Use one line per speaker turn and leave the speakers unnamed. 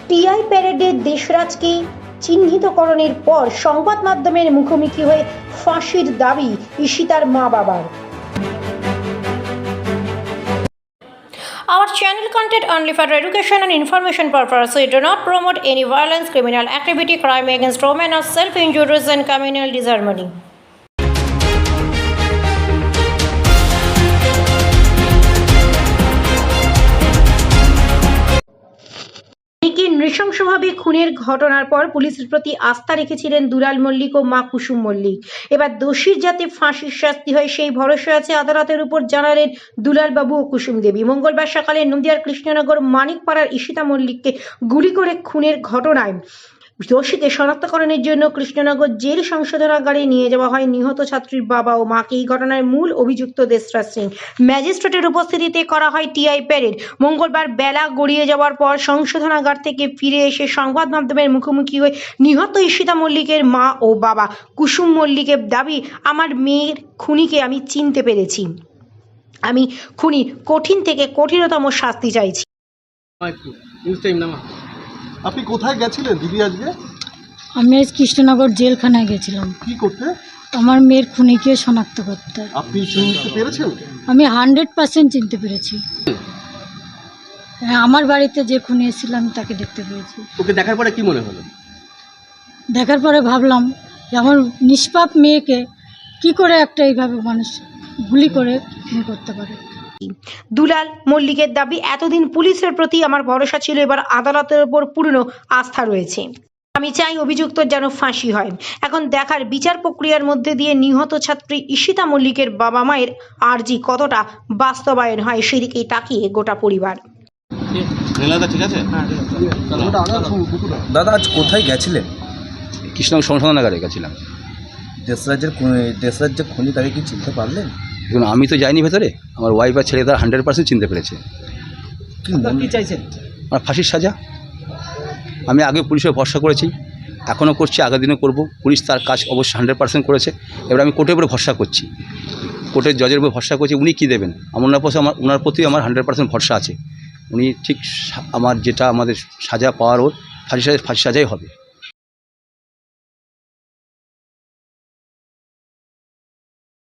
TI প্যারেডে দেশরাজকে চিহ্নিতকরণের পর সংবাদ মাধ্যমের মুখোমুখি হয়ে ফাঁসির দাবি ঈশিতার মা বাবার। Our channel content only for education and information purposes. We do not promote any violence, criminal activity, crime against women, or self-injuries and communal disharmony. নৃশংসভাবে খুনের ঘটনার পর পুলিশের প্রতি আস্থা রেখেছিলেন দুলাল মল্লিক ও মা কুসুম মল্লিক। এবার দোষীর যাতে ফাঁসির শাস্তি হয় সেই ভরসা আছে আদালতের উপর, জানালেন দুলাল বাবু ও কুসুম দেবী। মঙ্গলবার সকালে নদিয়ার কৃষ্ণনগর মানিকপাড়ার ঈশিতা মল্লিককে গুলি করে খুনের ঘটনায় দোষীকে শনাক্তকরণের জন্য কৃষ্ণনগর জেল সংশোধনাগারে নিয়ে যাওয়া হয় নিহত ছাত্রীর বাবা ও মাকে। এই ঘটনার মূল অভিযুক্ত দেশরাজ সিং ম্যাজিস্ট্রেটের উপস্থিতিতে করা হয় টিআই প্যারেড। মঙ্গলবার বেলা গড়িয়ে যাওয়ার পর সংশোধনাগার থেকে ফিরে এসে সংবাদ মাধ্যমের মুখোমুখি হয়ে নিহত ঈশিতা মল্লিকের মা ও বাবা। কুসুম মল্লিকের দাবি, আমার মেয়ের খুনিকে আমি চিনতে পেরেছি, আমি খুনির কঠিন থেকে কঠিনতম শাস্তি চাইছি।
আপনি কোথায় গেছিলেন দিদি আজকে?
আমি আজ কৃষ্ণনগর জেলখানায় গেছিলাম।
কি করতে?
আমার মেয়ের খুনিকে শনাক্ত করতে।
আপনি চিনতে পেরেছেন?
আমি 100% চিনতে পেরেছি। হ্যাঁ, আমার বাড়িতে যে খুনি এসেছিল আমি তাকে দেখতে পেরেছি।
ওকে দেখার পরে কি মনে হলো?
দেখার পরে ভাবলাম যে আমার নিষ্পাপ মেয়েকে কি করে একটা এইভাবে মানুষ গুলি করে খুন করতে পারে।
দুলাল মল্লিকের দাবি, এতদিন পুলিশের প্রতি আমার ভরসা ছিল, এবার আদালতের উপর পূর্ণ আস্থা রয়েছে। আমি চাই অভিযুক্ত যেন ফাঁসি হয়। এখন দেখার বিচার প্রক্রিয়ার মধ্যে দিয়ে নিহত ছাত্রী ঈশিতা মল্লিকের বাবা মায়ের আর্জি কতটা বাস্তবায়ন হয় সেদিকেই তাকিয়ে গোটা পরিবার।
ঠিক আছে
দাদা, আজ কোথায় গেছিলেন?
কৃষ্ণনগর সংশোধনাগারে গেছিলাম।
দেশরাজ যে খুনি তাকে কি চিনতে পারলেন?
দেখুন, আমি তো যাইনি ভেতরে, আমার ওয়াইফ আর ছেলে তারা 100% চিনতে পেরেছে।
কি চাইছেন?
আমার ফাঁসির সাজা। আমি আগে পুলিশে ভরসা করেছি, এখনও করছি, আগের দিনও করব। পুলিশ তার কাজ অবশ্যই 100% করেছে। এবার আমি কোর্টের উপরে ভরসা করছি, কোর্টের জজের উপরে ভরসা করছি। উনি কী দেবেন ওনার প্রতি আমার 100% ভরসা আছে। উনি ঠিক আমার যেটা আমাদের সাজা পাওয়ার ওর ফাঁসি সাজাই হবে।